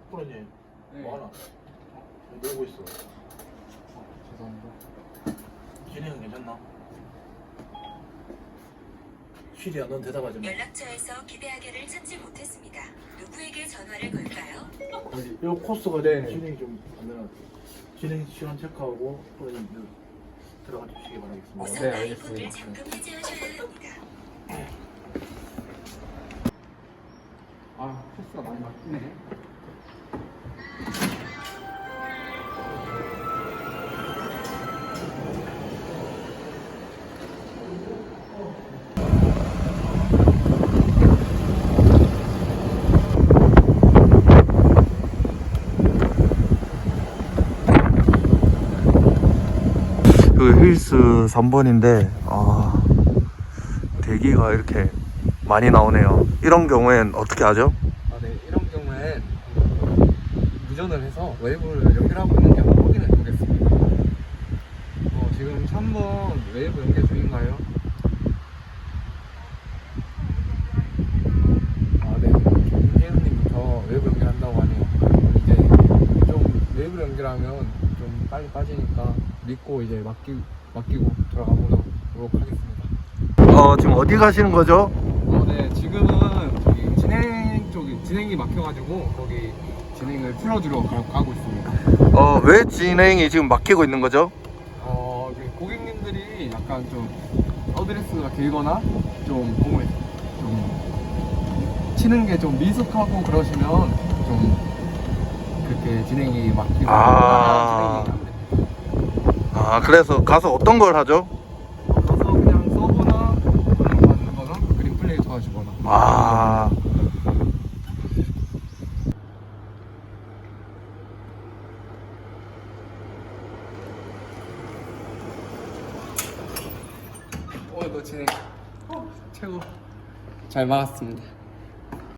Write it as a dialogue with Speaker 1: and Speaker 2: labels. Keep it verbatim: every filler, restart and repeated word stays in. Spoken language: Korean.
Speaker 1: 프로님
Speaker 2: 네.
Speaker 1: 뭐하나? 놀고 있어.
Speaker 2: 어, 죄송합니다.
Speaker 1: 진행은 괜찮나? 쉬리야, 넌 대답하지 마.
Speaker 3: 연락처에서 기대하게를 찾지 못했습니다. 누구에게 전화를 걸까요?
Speaker 1: 여기 요 코스가
Speaker 2: 네.
Speaker 1: 진행이 좀 안 되나? 진행 시간 체크하고 프로님 들어가 주시기 바라겠습니다.
Speaker 3: 우선
Speaker 2: 네,
Speaker 3: 아이폰을
Speaker 2: 알겠습니다.
Speaker 3: 잠금 해제하셔야 합니다.
Speaker 2: 아, 코스가 많이 막히네.
Speaker 4: 그 힐스 삼 번인데 아, 대기가 이렇게 많이 나오네요. 이런 경우엔 어떻게 하죠?
Speaker 2: 아, 네. 이런 경우엔 무전을 해서 웨이브를 연결하고 있는지 한번 확인해 보겠습니다. 어, 지금 삼 번 웨이브 연결 중인가요? 아, 네. 김재현님부터 웨이브 연결한다고 하네요. 이제 좀 웨이브 연결하면 좀 빨리 빠지니까 믿고 이제 맡기, 맡기고 돌아가 보도록 하겠습니다.
Speaker 4: 어, 지금 어디 가시는 거죠?
Speaker 2: 어, 네. 지금은 저기 진행 쪽이 진행이 막혀가지고 거기 진행을 풀어주러 가, 가고 있습니다.
Speaker 4: 어, 왜 진행이 지금 막히고 있는 거죠?
Speaker 2: 어, 그 고객님들이 약간 좀 어드레스가 길거나 좀 공을 좀 치는 게 좀 미숙하고 그러시면 좀 그렇게 진행이 막히고
Speaker 4: 아.
Speaker 2: 진행이 안 됩니다.
Speaker 4: 아, 그래서 가서 어떤 걸 하죠?
Speaker 2: 가서 그냥 서버나 그런 거 하는 거나 그림 플레이 도와주거나.
Speaker 4: 아,
Speaker 2: 오늘 너 진행 최고 잘 막았습니다.